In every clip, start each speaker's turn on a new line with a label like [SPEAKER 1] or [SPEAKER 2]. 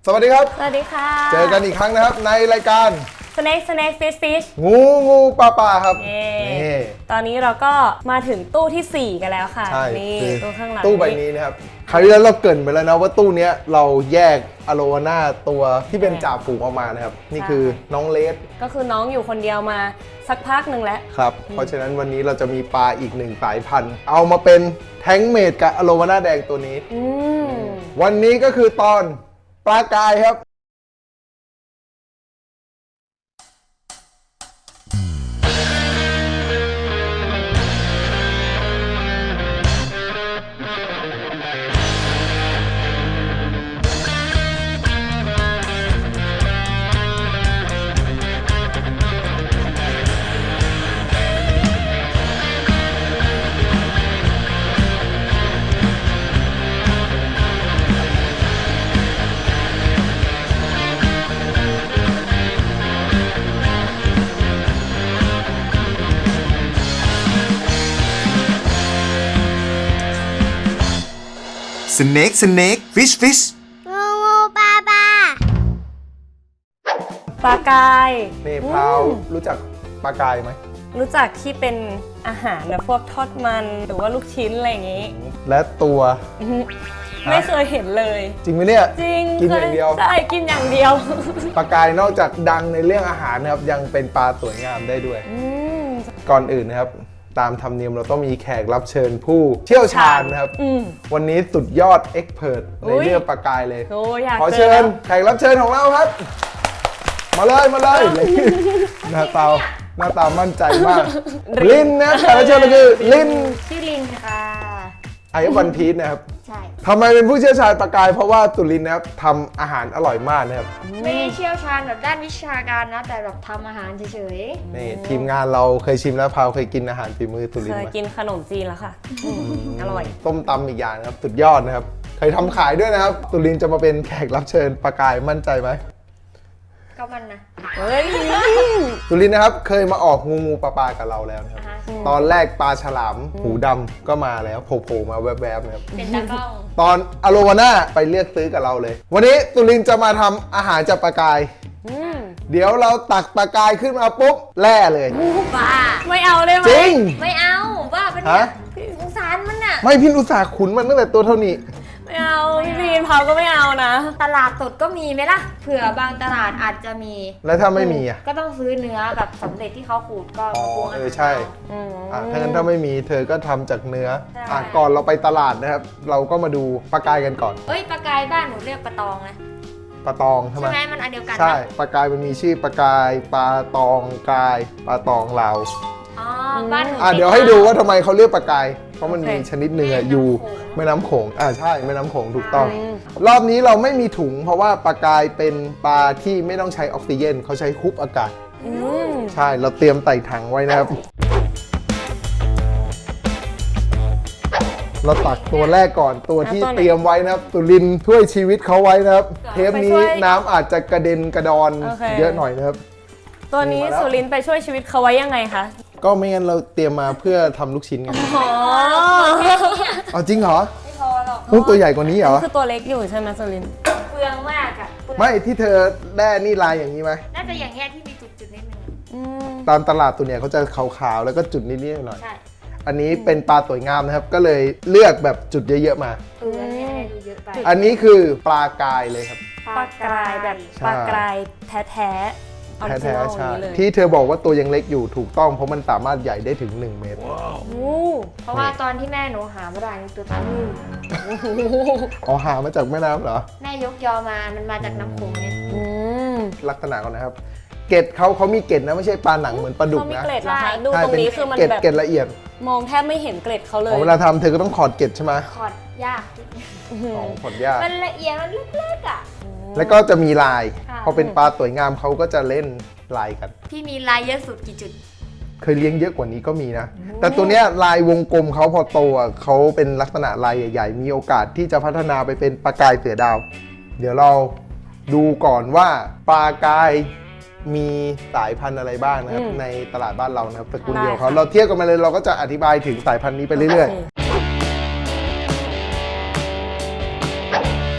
[SPEAKER 1] สวัสดีครับ
[SPEAKER 2] สวัสดีค่ะ
[SPEAKER 1] เจอกันอีกครั้งนะครับในรายการ
[SPEAKER 2] Snake Fish
[SPEAKER 1] งูปลาครับ
[SPEAKER 2] นี่ตอนนี้เราก็มาถึงตู้ที่ 4 กันแล้วค่ะ
[SPEAKER 1] ใช่
[SPEAKER 2] นี่
[SPEAKER 1] คือ
[SPEAKER 2] ตู้ข้างหลัง
[SPEAKER 1] ตู้ใบนี้นะครับคราวที่แล้วเราเกริ่นไปแล้วนะว่าตู้เนี้ยเราแยกอโลวาน่าตัวที่เป็นจ่าฝูงออกมานะครับนี่คือน้องเลส
[SPEAKER 2] ก็คือน้องอยู่คนเดียวมาสักพักหนึ่งแล้ว
[SPEAKER 1] ครับเพราะฉะนั้นวันนี้เราจะมีปลาอีกหนึ่งสายพันธุ์เอามาเป็นแท้งเมดกับอโลวาน่าแดงตัวนี้ วันนี้ก็คือตอนปลากายครับ
[SPEAKER 3] Snake Fish
[SPEAKER 4] งูปลา
[SPEAKER 2] ปลากาย
[SPEAKER 1] นี่พราวรู้จักปลากายไหม
[SPEAKER 2] รู้จักที่เป็นอาหารแบบพวกทอดมันหรือว่าลูกชิ้นอะไรอย่างงี้
[SPEAKER 1] และตัว
[SPEAKER 2] ไม่เคยเห็นเลย
[SPEAKER 1] จริงไหมเนี่ย
[SPEAKER 2] จริง
[SPEAKER 1] กินอย่างเดียว
[SPEAKER 2] ใช่กินอย่างเดียว
[SPEAKER 1] ปลากายนอกจากดังในเรื่องอาหารนะครับยังเป็นปลาสวยงามได้ด้วย ก่อนอื่นนะครับตามธรรมเนียมเราต้องมีแขกรับเชิญผู้เชี่ยวชาญนะครับ วันนี้สุดยอดเอ็กเพรสในเรื่องปลากายเลย
[SPEAKER 2] โอ้อยาก
[SPEAKER 1] ขอ
[SPEAKER 2] เจ
[SPEAKER 1] เชิ
[SPEAKER 2] อ
[SPEAKER 1] ญแขกรับเชิญของเราครับ มาเลยหน้าตามั่นใจมาก ลินนะครับแขกรับเชิญเราคือลิน
[SPEAKER 4] ชื่อลินค่ะ
[SPEAKER 1] ไอวันพีชนะครับ
[SPEAKER 4] ใช่
[SPEAKER 1] ทำไมเป็นผู้เชี่ยวชาญปลากายเพราะว่าสุรินทร์นะครับทำอาหารอร่อยมากนะครับ
[SPEAKER 4] ไม่ได้เชี่ยวชาญแบบด้านวิชาการนะ แต่แบบทำอาหารเฉย
[SPEAKER 1] นี่ทีมงานเราเคยชิมแล้วพาวเคยกินอาหารฝีมือสุรินท
[SPEAKER 2] เค
[SPEAKER 1] ร์
[SPEAKER 2] ย
[SPEAKER 1] ไหม
[SPEAKER 2] กินขนมจีนแล้วค่ะอร่อย
[SPEAKER 1] ต้มตำอีกอย่างนะครับสุดยอดนะครับเคยทำขายด้วยนะครับสุรินทร์จะมาเป็นแขกรับเชิญปลากายมั่นใจไหม
[SPEAKER 4] ๆ ก็มันนะ
[SPEAKER 2] เฮ้ย
[SPEAKER 1] สุรินทร์นะครับเคยมาออกงูปลากับเราแล้วนะครับ
[SPEAKER 4] อ่าฮะ
[SPEAKER 1] ตอนแรกปลาฉลามหูดำก็มาแล้วโผล่มาแวบๆนะครับ
[SPEAKER 4] เป็นตากล้อง
[SPEAKER 1] ตอนอโลวาน่าไปเลือกซื้อกับเราเลย วันนี้สุรินทร์จะมาทำอาหารจากปลากาย เดี๋ยวเราตักปลากายขึ้นมาปุ๊บแล่เลย
[SPEAKER 4] บ้า
[SPEAKER 2] ไม่เอาเลยไหม
[SPEAKER 1] จริง
[SPEAKER 4] ไม่เอาบ้าเป็น
[SPEAKER 1] ฮะ
[SPEAKER 4] เนี่ยสงสารมันน่ะ
[SPEAKER 1] ไม่พี่อุตส่าห์ขุนมันตั้งแต่ตัวเท่านี้
[SPEAKER 2] ไม่เอาพี่พีนเผาก็ไม่เอานะ
[SPEAKER 4] ตลาดสดก็มีไหมล่ะ เผื่อบางตลาดอาจจะมี
[SPEAKER 1] แล้วถ้าไม่มีอ่ะ
[SPEAKER 4] ก็ต้องซื้อเนื้อแบบสำเร็จที่เขาขูดก็มาปรุงอาหาร
[SPEAKER 1] ใช่ ถ้างั้นถ้าไม่มีเธอก็ทำจากเนื้อก่อนเราไปตลาดนะครับ เราก็มาดูปลากายกันก่อน
[SPEAKER 4] เอ้ยปลากายบ้านหนูเรียกปลาตองนะ
[SPEAKER 1] ปลาตองใช่ไหม
[SPEAKER 4] ใช่ไหมมันอันเดียวกัน
[SPEAKER 1] ใช่
[SPEAKER 4] นะ
[SPEAKER 1] ปลากายมันมีชื่อปลากายปลาตองกายปลาตองลาว
[SPEAKER 4] อ๋อบ้านหนู
[SPEAKER 1] เดี๋ยวให้ดูว่าทำไมเขาเรียกปลากาย เพราะมัน
[SPEAKER 2] โอเค
[SPEAKER 1] มีชนิดหนึ่งอะ
[SPEAKER 4] แม่น้ำ
[SPEAKER 1] อยู่
[SPEAKER 4] โขง
[SPEAKER 1] แม่น้ำโขงใช่แม่น้ำโขงถูกต้อง รอบนี้เราไม่มีถุง เพราะว่าปลากายเป็นปลาที่ไม่ต้องใช้ออกซิเจนเขาใช้ฮุบอากาศ ใช่เราเตรียมใส่ถังไว้นะครับ เราตักตัวแรกก่อนตัวที่
[SPEAKER 2] ตัวไหน
[SPEAKER 1] เตรียมไว้นะครับสุรินทร์ช่วยชีวิตเขาไว้นะครับ เทปนี้
[SPEAKER 2] ไปช่วย
[SPEAKER 1] น้ำอาจจะกระเด็นกระดอน
[SPEAKER 2] โอเค
[SPEAKER 1] เยอะหน่อยนะครับ
[SPEAKER 2] ตัวนี้
[SPEAKER 1] มาแล้ว
[SPEAKER 2] สุรินทร์ไปช่วยชีวิตเขาไว้ยังไงคะ
[SPEAKER 1] ก็ไม่งั้นเราเตรียมมาเพื่อทำลูกชิ้นกัน
[SPEAKER 2] อ๋อ
[SPEAKER 1] เอาจริงเหรอ
[SPEAKER 4] ไม่พอหรอก
[SPEAKER 1] ตัวใหญ่กว่านี้เหรอ
[SPEAKER 2] คือตัวเล็กอยู่ใช่ไหมสุรินทร์
[SPEAKER 4] เปลืองมากอะเปลือง
[SPEAKER 1] ไม่ที่เธอแด้นี่ลายอย่างนี้ไหม
[SPEAKER 4] น่าจะอย่างเงี้ยที่มีจุดๆนิดนึง
[SPEAKER 1] ตามตลาดตัวเนี่ยเขาจะขาวๆแล้วก็จุดนิดๆหน่อย
[SPEAKER 4] ใช่
[SPEAKER 1] ๆอันนี้เป็นปลาสวยงามนะครับ ก็เลยเลือกแบบจุดเยอะๆมา
[SPEAKER 4] เอออันนี้ให้ดูเยอะไป
[SPEAKER 1] อันนี้คือปลากายเลยครับ
[SPEAKER 2] ปลากรายแบบ
[SPEAKER 1] ใช่
[SPEAKER 2] ปลากรายแท้ๆออริจิ
[SPEAKER 1] แท้
[SPEAKER 2] นอล
[SPEAKER 1] ๆ
[SPEAKER 2] อ
[SPEAKER 1] ใช่
[SPEAKER 2] ย่างนี้เลย
[SPEAKER 1] ที่เธอบอกว่าตัวยังเล็กอยู่ถูกต้องเพราะมันสามารถใหญ่ได้ถึง 1 เมตร
[SPEAKER 2] โอ้
[SPEAKER 4] เพราะว่าตอนที่แม่หนูหามาได้นี่ตัวเท่านี้
[SPEAKER 1] อ๋อหามาจากแม่น้ำเหรอ
[SPEAKER 4] แม่ยกยอมา มันมาจากน้ำโขงเนี่ย
[SPEAKER 2] อืม
[SPEAKER 1] ลักษณะก่อนนะครับ เกล็ดเขามีเกล็ดนะไม่ใช่ปลาหนังเหมือนปลาดุก
[SPEAKER 2] เขามี
[SPEAKER 1] นะ
[SPEAKER 2] เกล็ดเหรอ
[SPEAKER 4] ใช่
[SPEAKER 2] คะดู
[SPEAKER 1] ใช่
[SPEAKER 2] ตรงนี้คือมัน
[SPEAKER 1] เกล็ด
[SPEAKER 2] แบบ
[SPEAKER 1] เกล็ดละเอียด
[SPEAKER 2] มองแทบไม่เห็นเกล็ดเขาเลย
[SPEAKER 1] เวลาทำเธอก็ต้องขอดเกล็ดใช่ไหม
[SPEAKER 4] ขอดยาก
[SPEAKER 1] ของขอดยาก
[SPEAKER 4] มันละเอียด มันเล็กๆอ่ะ
[SPEAKER 1] แล้วก็จะมีลาย
[SPEAKER 4] ค่ะ
[SPEAKER 1] พอเป็นปลาสวยงามเขาก็จะเล่นลายกัน
[SPEAKER 4] พี่มีลายเยอะสุดกี่จุด
[SPEAKER 1] เคยเลี้ยงเยอะกว่านี้ก็มีนะ แต่ตัวเนี้ยลายวงกลมเขาพอโตอ่ะเขาเป็นลักษณะลายใหญ่ๆ มีโอกาสที่จะพัฒนาไปเป็นปลากายเสือดาว เดี๋ยวเราดูก่อนว่าปลากายมีสายพันธุ์อะไรบ้างนะครับในตลาดบ้านเรานะครับตระกูลเดียวเขาเราเทียบกันมาเลยเราก็จะอธิบายถึงสายพันธุ์นี้ไปเรื่อยๆ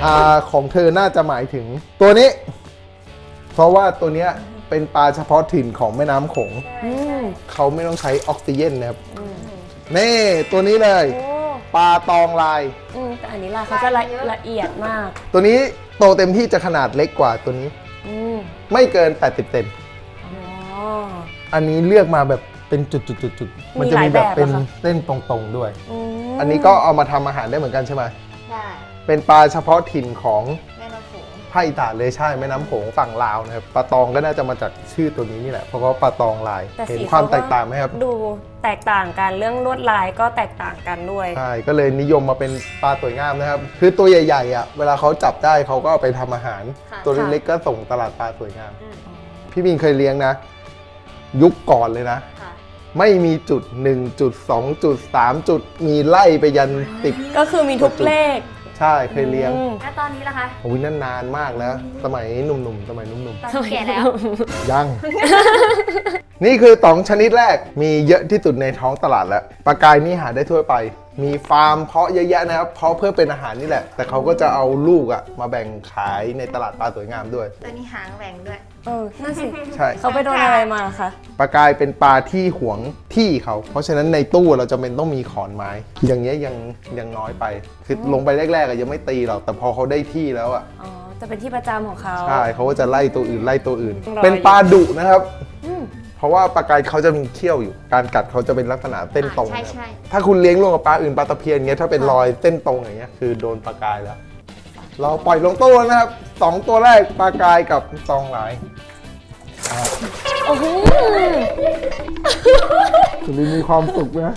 [SPEAKER 1] ของเธอน่าจะหมายถึงตัวนี้ เพราะว่าตัวเนี้ยเป็นปลาเฉพาะถิ่นของแม่น้ำโขง
[SPEAKER 2] อืม
[SPEAKER 1] เขาไม่ต้องใช้ออกซิเจนนะครับนี่ตัวนี้เลย
[SPEAKER 2] โอ้
[SPEAKER 1] ปลาตองลาย
[SPEAKER 2] แต่อันนี้ลายเขาจะละเอียดมาก
[SPEAKER 1] ตัวนี้โตเต็มที่จะขนาดเล็กกว่าตัวนี้
[SPEAKER 2] อืม
[SPEAKER 1] ไม่เกิน80เซน
[SPEAKER 2] อ๋อ
[SPEAKER 1] อันนี้เลือกมาแบบเป็นจุดๆๆมันจะมีแบบเป็นเส้นตรงๆด้วย
[SPEAKER 2] ม
[SPEAKER 1] อันนี้ก็เอามาทำอาหารได้เหมือนกันใช่ไหม
[SPEAKER 4] ใช่
[SPEAKER 1] เป็นปลาเฉพาะถิ่นของ
[SPEAKER 4] แม่น้ำโขง
[SPEAKER 1] ภาคอีสานเลยใช่แม่น้ำโขงฝั่งลาวนะครับปลาตองก็น่าจะมาจากชื่อตัวนี้นี่แหละเพราะว่าปลาตองลาย
[SPEAKER 2] แต่
[SPEAKER 1] เห็น
[SPEAKER 2] สี
[SPEAKER 1] ความ
[SPEAKER 2] เข
[SPEAKER 1] แตกต่างไหมครับ
[SPEAKER 2] ดูแตกต่างกันเรื่องลวดลายก็แตกต่างกันด้วย
[SPEAKER 1] ใช่ก็เลยนิยมมาเป็นปลาสวยงามนะครับ คือตัวใหญ่ๆอ่ะเวลาเขาจับได้เขาก็เอาไปทำอาหาร ตัวเล็กๆก็ส่งตลาดปลาสวยงาม พี่บินเคยเลี้ยงนะ ยุคก่อนเลยนะ
[SPEAKER 4] ค่ะ
[SPEAKER 1] ไม่มีจุด1จุด2จุด3จุดมีไล่ไปยัน10
[SPEAKER 2] ก็คือมีทุกเลข
[SPEAKER 1] ใช่เคยเลี้ยง
[SPEAKER 2] อืม
[SPEAKER 4] แล้วตอนนี้ล่ะคะ
[SPEAKER 1] โอ้ยนั่นนานมากแล้ว สมัยหนุ่มๆสมัยหนุ่ม
[SPEAKER 4] ตอนนี้แก่แล้ว
[SPEAKER 1] ๆยัง นี่คือ2ชนิดแรกมีเยอะที่สุดในท้องตลาดแล้วปลากายนี่หาได้ทั่วไป มีฟาร์มเพาะเยอะแยะนะครับเพาะเพื่อเป็นอาหารนี่แหละ แต่เขาก็จะเอาลูกอะมาแบ่งขายในตลาดปลาสวยงามด้วย
[SPEAKER 4] ตัวนี้หางแหว่งด้วย
[SPEAKER 2] นั่นสิ
[SPEAKER 1] ใช่
[SPEAKER 2] เขาไปโดนอะไรมาคะ
[SPEAKER 1] ปลากายเป็นปลาที่หวงที่เขา เพราะฉะนั้นในตู้เราจะเป็นต้องมีขอนไม้ อย่างเงี้ยยังน้อยไป คือลงไปแรกๆอะยังไม่ตีหรอก แต่พอเขาได้ที่แล้วอะ
[SPEAKER 2] อ๋อ จะเป็นที่ประจำของเขา
[SPEAKER 1] ใช่เขาก็จะไล่ตัวอื่นไล่ตัวอื่น
[SPEAKER 2] รอย
[SPEAKER 1] เป็นปลาดุนะครับ
[SPEAKER 2] อืม
[SPEAKER 1] เพราะว่าปลากายเขาจะมีเขี้ยวอยู่ การกัดเขาจะเป็นลักษณะเส้นตรง
[SPEAKER 4] ใช่
[SPEAKER 1] นะครับ
[SPEAKER 4] ใช่
[SPEAKER 1] ถ้าคุณเลี้ยงร่วมกับปลาอื่นปลาตะเพียนเงี้ยถ้าเป็นรอยเส้นตรงอย่างเงี้ยคือโดนปลากายแล้ว เราปล่อยลงตู้แล้วนะครับ2ตัวแรกปลากายกับตองหลาย
[SPEAKER 2] โอ้โห
[SPEAKER 1] สุรินทร์มีความสุขนะ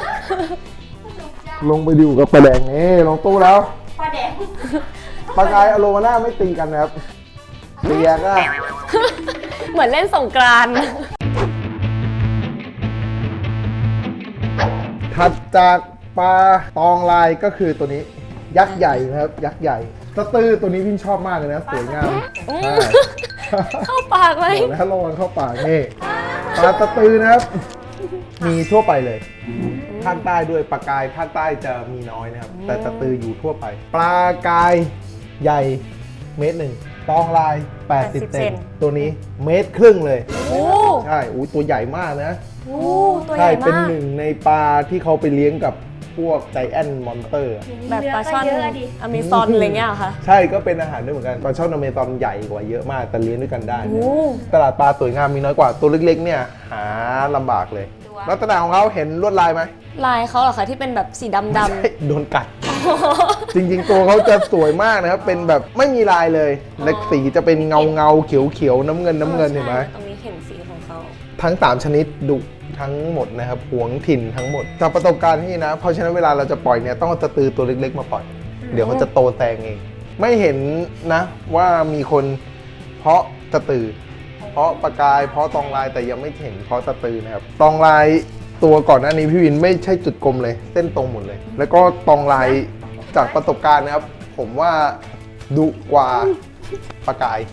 [SPEAKER 1] ลงไปดูกับปลาแดงนี่ลงตู้แล้ว
[SPEAKER 4] ปลาแดง
[SPEAKER 1] ปลากายอโลมาน่าไม่ตีกันนะครับเตียก็
[SPEAKER 2] เหมือนเล่นสงกรานต์
[SPEAKER 1] ถัดจากปลาตองลายก็คือตัวนี้ยักษ์ใหญ่นะครับ ยักษ์ใหญ่สตื้อตัวนี้พี่ชอบมากเลยนะสวยงามใช่
[SPEAKER 2] เข้าปากเลย
[SPEAKER 1] บอกแล้วระวังเข้าปากนี่ปลาตะตือนะครับ มีทั่วไปเลยภาคใต้ด้วยปลากายภาคใต้จะมีน้อยนะครับ แต่ตะตืออยู่ทั่วไป ปลากายใหญ่เมตรหนึ่งตองลาย 80 เซนตัวนี้เมตรครึ่งเลย
[SPEAKER 2] โอ้
[SPEAKER 1] ใช่อู้ตัวใหญ่มากนะ
[SPEAKER 2] โหตัวให
[SPEAKER 1] ใช่
[SPEAKER 2] ญ่
[SPEAKER 1] เป็น
[SPEAKER 2] มาก
[SPEAKER 1] หนึ่งในปลาที่เขาไปเลี้ยงกับพวกไจแอนมอนเตอร์
[SPEAKER 2] แบบปลาช่อน
[SPEAKER 4] เยอะดิ
[SPEAKER 2] อเมซอนอะไรเงี้ยเหรอคะ
[SPEAKER 1] ใช่ก็เป็นอาหารด้วยเหมือนกันปลาช่อนอเมซอนใหญ่กว่าเยอะมากแต่เลี้ยงด้วยกันได้
[SPEAKER 2] โอ้
[SPEAKER 1] ตลาดปลาสวยงามมีน้อยกว่าตัวเล็กๆเนี่ยหาลำบากเลยลักษณะของเขาเห็นลวดลายไหม
[SPEAKER 2] ลายเขาเหรอคะที่เป็นแบบสีดำ
[SPEAKER 1] ใช่โดนกัด จริงๆ ตัวเขาจะสวยมากนะครับ เป็นแบบไม่มีลายเลยและสีจะเป็นเงาเขียวๆน้ำเงินเห็นไหม
[SPEAKER 2] ตรงนี้เห็นสีของเขา
[SPEAKER 1] ทั้ง3ชนิดดุทั้งหมดนะครับหวงถิ่นทั้งหมดจากประสบการณ์ที่นะ เพราะฉะนั้นเวลาเราจะปล่อยเนี่ยต้องเอาตะตือตัวเล็กๆมาปล่อย เดี๋ยวเขาจะโตแซงเอง ไม่เห็นนะว่ามีคนเพาะตะตือ เพาะปลากายเพาะตองลายแต่ยังไม่เห็นเพาะตะตือนะครับตองลายตัวก่อนหน้านี้พี่วินไม่ใช่จุดกลมเลย เส้นตรงหมดเลย แล้วก็ตองลายจากประสบการณ์นะครับ ผมว่าดุกว่าปลากาย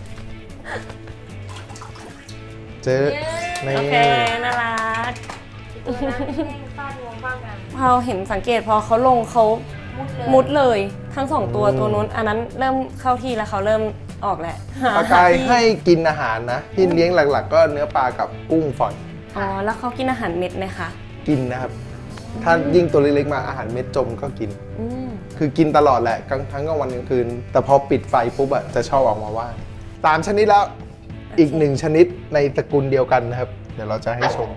[SPEAKER 1] เจอใน
[SPEAKER 2] โอเค น่ารัก
[SPEAKER 4] ตัวนั้นให้ฟาดงวงบ้างกัน
[SPEAKER 2] พอเห็นสังเกตพอเขาลงเขามุดเลยทั้งสองตัวตัวนู้นอันนั้นเริ่มเข้าที่แล้วเขาเริ่มออกแหละห
[SPEAKER 1] ปลากาย
[SPEAKER 2] ที่
[SPEAKER 1] ให้กินอาหารนะที่เลี้ยงหลักๆ ก็เนื้อปลากับกุ้งฝอย
[SPEAKER 2] อ๋อแล้วเขากินอาหารเม็ดไหมคะ
[SPEAKER 1] กินนะครับ ถ้ายิ่งตัวเล็กๆมาอาหารเม็ดจมก็กิน
[SPEAKER 2] อืม
[SPEAKER 1] คือกินตลอดแหละทั้งกลางวันกลางคืน แต่พอปิดไฟปุ๊บอะจะชอบออกมาว่าย3ชนิดแล้วอีก1ชนิดในตระกูลเดียวกันนะครับ เดี๋ยวเราจะให้ชม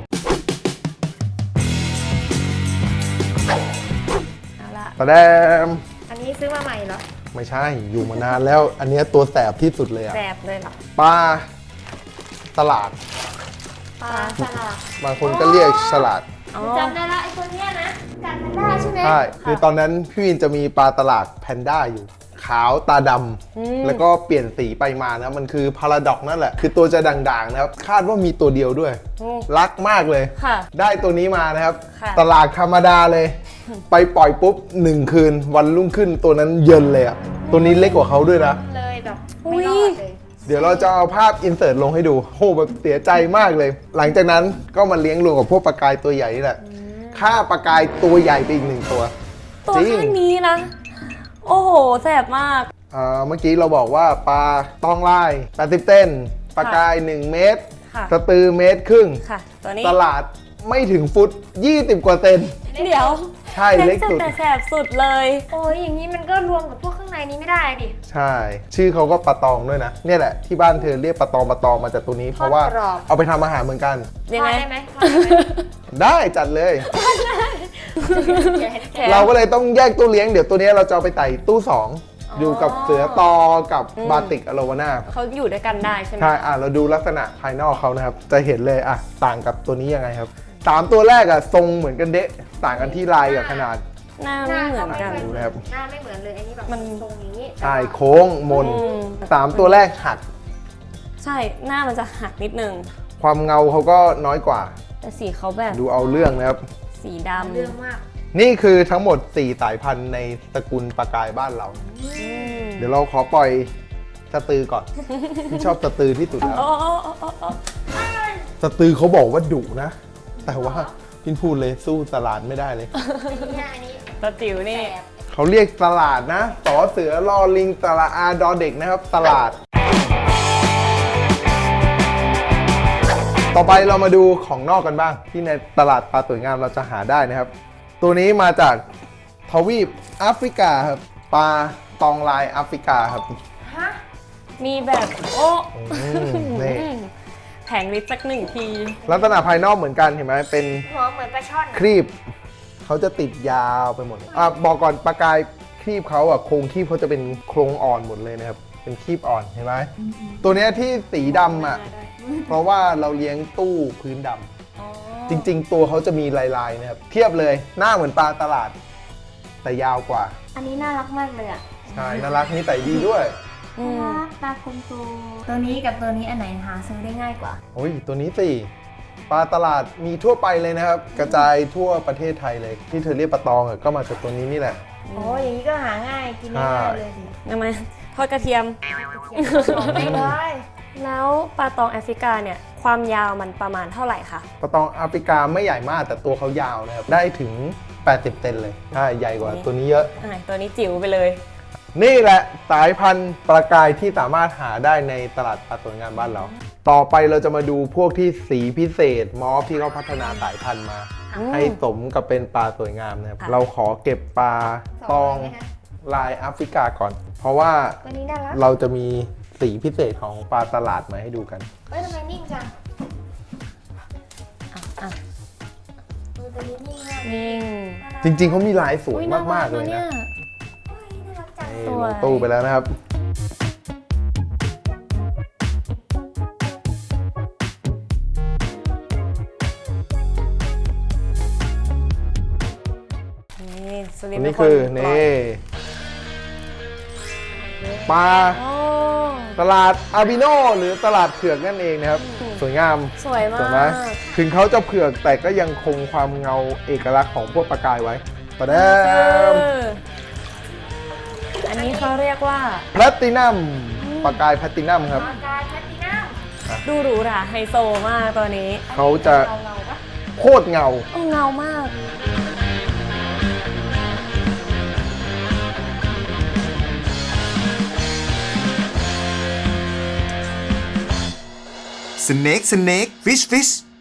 [SPEAKER 2] เอาละ
[SPEAKER 1] ตะแดม
[SPEAKER 4] อันนี้ซื้อมาใหม่เหรอ
[SPEAKER 1] ไม่ใช่อยู่มานานแล้ว อันเนี้ยตัวแสบที่สุดเลยอะ
[SPEAKER 2] แสบเลยเหรอ
[SPEAKER 1] ปลาตลาด
[SPEAKER 4] ปลาสลัด
[SPEAKER 1] บางคนก็เรียกฉลาด
[SPEAKER 2] อ๋อ
[SPEAKER 4] จำได้ละไอ้ตัวเนี้ยนะกัดมันได้ใช่ไหม
[SPEAKER 1] ใช่ คือตอนนั้นพี่วินจะมีปลาตลาดแพนด้าอยู่ ขาวตาดำ แล้วก็เปลี่ยนสีไปมานะ มันคือพาราดอกนั่นแหละ คือตัวจะด่างๆนะครับ คาดว่ามีตัวเดียวด้วย
[SPEAKER 2] โอ้
[SPEAKER 1] รักมากเลย
[SPEAKER 2] ค่ะ
[SPEAKER 1] ได้ตัวนี้มานะครับ
[SPEAKER 2] ค่ะ
[SPEAKER 1] ตลาดธรรมดาเลย ไปปล่อยปุ๊บ1 คืน วันรุ่งขึ้นตัวนั้นเยินเลยอะตัวนี้เล็กกว่าเขาด้วยนะ
[SPEAKER 4] เลยแบบ
[SPEAKER 2] อุ๊
[SPEAKER 4] ไม่
[SPEAKER 2] ย
[SPEAKER 4] รอดเลย
[SPEAKER 1] เดี๋ยวเราจะเอาภาพอินเสิร์ตลงให้ดูโหแบบเสียใจมากเลย หลังจากนั้นก็มาเลี้ยงรวมกับพวกปลากายตัวใหญ่นี่แหละฆ่าปลากายตัวใหญ่ไปอีก1 ตัว
[SPEAKER 2] ตัว
[SPEAKER 1] จริง
[SPEAKER 2] แค่นี้นะ โอ้โห แสบมาก
[SPEAKER 1] เมื่อกี้เราบอกว่าปลาตองลาย80เซนปลากาย1 เมตร
[SPEAKER 2] ค่ะ
[SPEAKER 1] สตือ1.5 เมตร
[SPEAKER 2] ค่ะ ตัวนี้
[SPEAKER 1] ตลาดไม่ถึงฟุต20 กว่าเซน
[SPEAKER 2] เดี๋ยว
[SPEAKER 1] ใช่เล็กสุด
[SPEAKER 2] แต่แสบสุดเลย
[SPEAKER 4] โอ้ยอย่างนี้มันก็รวมกับพวกข้างในนี้ไม่ได้ดิ
[SPEAKER 1] ใช่ ชื่อเขาก็ปลาตองด้วยนะ เนี่ยแหละที่บ้านเธอเรียกปลาตองมาจากตัวนี้ เพราะว่า
[SPEAKER 4] ทอดกรอบ
[SPEAKER 1] เอาไปทำอาหารเหมือนกัน
[SPEAKER 2] ยังไง
[SPEAKER 4] ทอดได้ไหมทอดได้ไหม
[SPEAKER 1] ได้จัดเลย
[SPEAKER 2] แถม
[SPEAKER 1] เราก็เลยต้องแยกตู้เลี้ยงเดี๋ยวตัวนี้เราจะเอาไปใส่ตู้ 2 อยู่กับเสือตอกับบาติกอโลวาน่า
[SPEAKER 2] เขาอยู่ด้วยกันได้ใช่ไหม
[SPEAKER 1] ใช่ เราดูลักษณะภายนอกเขานะครับ จะเห็นเลยต่างกับตัวนี้ยังไงครับ3ตัวแรกทรงเหมือนกันเดะต่างกันที่ลายกับขนาด
[SPEAKER 2] หน้าไม่เหมือนกัน
[SPEAKER 1] ดูนะครับ
[SPEAKER 4] หน้าไม่เหมือนเลยอันนี้แบบ
[SPEAKER 2] มัน
[SPEAKER 4] ทรงอย่างนี้
[SPEAKER 1] ใช่โค้งมน
[SPEAKER 2] อืม
[SPEAKER 1] 3ตัวแรกหัก
[SPEAKER 2] ใช่ หน้ามันจะหักนิดนึง
[SPEAKER 1] ความเงาเขาก็น้อยกว่า
[SPEAKER 2] แต่สีเขาแบบ
[SPEAKER 1] ดูเอาเรื่องนะครับ
[SPEAKER 2] สีดำ
[SPEAKER 4] เรื่องมาก
[SPEAKER 1] นี่คือทั้งหมด 4 สายพันธุ์ในตระกูลปลากายบ้านเรา
[SPEAKER 2] อืม
[SPEAKER 1] เดี๋ยวเราขอปล่อยสตือก่อน ที่ชอบสตือที่สุดแล้ว
[SPEAKER 2] โอ้โอ้โอ้โอ้โอ้
[SPEAKER 1] สตือเขาบอกว่าดุนะ แต่ว่าพินพูดเลยสู้ตลาดไม่ได้เลย
[SPEAKER 4] อันนี้
[SPEAKER 2] ตาจิ๋วนี่
[SPEAKER 4] แสบ
[SPEAKER 1] เขาเรียกตลาดนะต่อเสือรอลิงตลาดอาดอเด็กนะครับ ตลาด ต่อไปเรามาดูของนอกกันบ้าง ที่ในตลาดปลาสวยงามเราจะหาได้นะครับ ตัวนี้มาจากทวีปแอฟริกาครับปลาตองลายแอฟริกาครับ
[SPEAKER 4] ฮะ
[SPEAKER 2] มีแบบโอ้
[SPEAKER 1] นี่
[SPEAKER 2] แผงลิตรสัก1 ที
[SPEAKER 1] ลักษณะภายนอกเหมือนกันเห็นไหมเป็น
[SPEAKER 4] หัวเหมือนปลาช่อน
[SPEAKER 1] ครีบเขาจะติดยาวไปหมดบอกก่อนปลากายครีบเขาโครงครีบเขาจะเป็นโครงอ่อนหมดเลยนะครับเป็นครีบอ่อนเห็นไหมตัวเนี้ยที่สีดำเพราะว่าเราเลี้ยงตู้พื้นดำจริง ๆ ตัวเขาจะมีลายๆนะครับเทียบเลยหน้าเหมือนปลาตลาด แต่ยาวกว่า
[SPEAKER 4] อันนี้น่ารักมากเลยอ่ะ
[SPEAKER 1] ใช่น่ารักนิสัยดีด้วย
[SPEAKER 2] อืม
[SPEAKER 4] น่ารักตาคมโตตัวนี้กับตัวนี้อันไหนหาซื้อได้ง่ายกว่า
[SPEAKER 1] โอ้ยตัวนี้สิปลาตลาดมีทั่วไปเลยนะครับ กระจายทั่วประเทศไทยเลย ที่เธอเรียกปลาตองก็มาจากตัวนี้นี่แหละ
[SPEAKER 4] โอ้อย่างนี้ก็หาง่ายกินง่ายเลยสิ
[SPEAKER 2] ทำไมทอดกระเทียม
[SPEAKER 4] ไม่เลย
[SPEAKER 2] แล้วปลาตองแอฟริกาเนี่ย ความยาวมันประมาณเท่าไหร่คะ
[SPEAKER 1] ปลาตองแอฟริกาไม่ใหญ่มากแต่ตัวเขายาวนะครับ ได้ถึง 80 เซนเลยใช่ใหญ่กว่าตัวนี้เยอะ
[SPEAKER 2] ตัวนี้จิ๋วไปเลย
[SPEAKER 1] นี่แหละสายพันธุ์ปลากายที่สามารถหาได้ในตลาดปลาสวยงามบ้านเรา ต่อไปเราจะมาดูพวกที่สีพิเศษมอฟที่เขาพัฒนาสายพันธุ์มา ให้สมกับเป็นปลาสวยงามนะครับ
[SPEAKER 2] ค่ะ
[SPEAKER 1] เราขอเก็บปลาตองลายแอฟริกาก่อน เพราะว่า
[SPEAKER 4] ตัวนี้น่ารัก
[SPEAKER 1] เราจะมีสีพิเศษของปลาตลาดมาให้ดูกัน
[SPEAKER 4] เฮ้ยทำไมนิ่งจัง
[SPEAKER 2] อ่ะ
[SPEAKER 4] ตัวนี้นิ่งมาก
[SPEAKER 2] นิ่ง
[SPEAKER 1] จริงๆเขามีลายสวย
[SPEAKER 2] อุ๊น่
[SPEAKER 1] มากๆเลย
[SPEAKER 2] รั
[SPEAKER 1] นะ
[SPEAKER 2] นี่
[SPEAKER 4] น่ารักจัง
[SPEAKER 1] นี่
[SPEAKER 2] ส
[SPEAKER 1] ล
[SPEAKER 2] วย
[SPEAKER 1] งตู้ไปแล้วนะครับ
[SPEAKER 2] นี่สุริ
[SPEAKER 1] อั
[SPEAKER 2] น
[SPEAKER 1] น
[SPEAKER 2] ทร์
[SPEAKER 1] นี้
[SPEAKER 2] เป็
[SPEAKER 1] คือ
[SPEAKER 2] ปล่ย
[SPEAKER 1] นี่ปลา
[SPEAKER 2] โอ้
[SPEAKER 1] ตลาดอาบิโนหรือตลาดเผือกนั่นเองนะครับ สวยงาม
[SPEAKER 2] สวยมา
[SPEAKER 1] สวยไหม
[SPEAKER 2] ก
[SPEAKER 1] ถึงเขาจะเผือกแต่ก็ยังคงความเงาเอกลักษณ์ของพวกปลากายไว้ประเดิม
[SPEAKER 2] อันนี้เขาเรียกว่า
[SPEAKER 1] แพลตตินัมปลากายแพลตตินัมครับ
[SPEAKER 4] ปากกาแพลตตินัม
[SPEAKER 2] ดูหรูหราไฮโซมากตัวนี้
[SPEAKER 1] เขาจะ
[SPEAKER 4] เงาๆปะ
[SPEAKER 1] โคตรเงา
[SPEAKER 2] โอ้เงามาก
[SPEAKER 3] Snake, snake, fish, fish.